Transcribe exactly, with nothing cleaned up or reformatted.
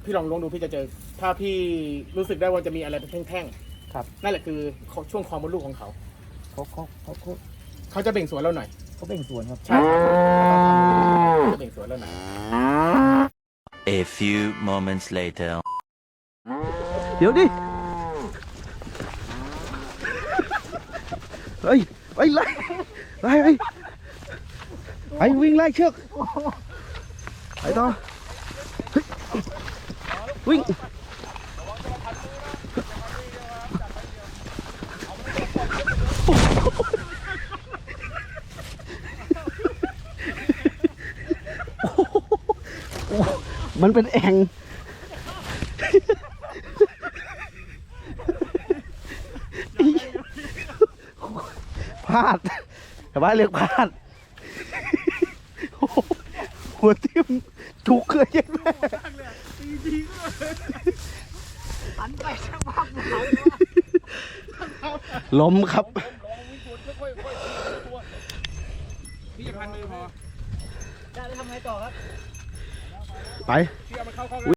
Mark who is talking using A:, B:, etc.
A: พี่ลองลงดูพี่จะเจอถ้าพี่รู้สึกได้ว่าจะมีอะไรเป็นแท่งๆครับนั่นแหละคือช่วงคอมดลูกของเขา
B: เขาเขาเขาเขา
A: เขาจะเบ่งสวนเราหน่อย
B: เขาเบ่งสวนครับ
A: ใช่ครับจะเบ่งสวนเราหน่อย
C: A few moments later
B: เดี๋ยวดิเฮ้ยไปไล่ไล่ไปไปวิ่งไล่เชือกไปต่อวิ่งมันเป็นแอ่งพลาดแต่ว่าเรียกพลาดหัวทิ่มถูกเคยยังไงล้มครับ
A: พี่จะพันมือพอ
B: ไป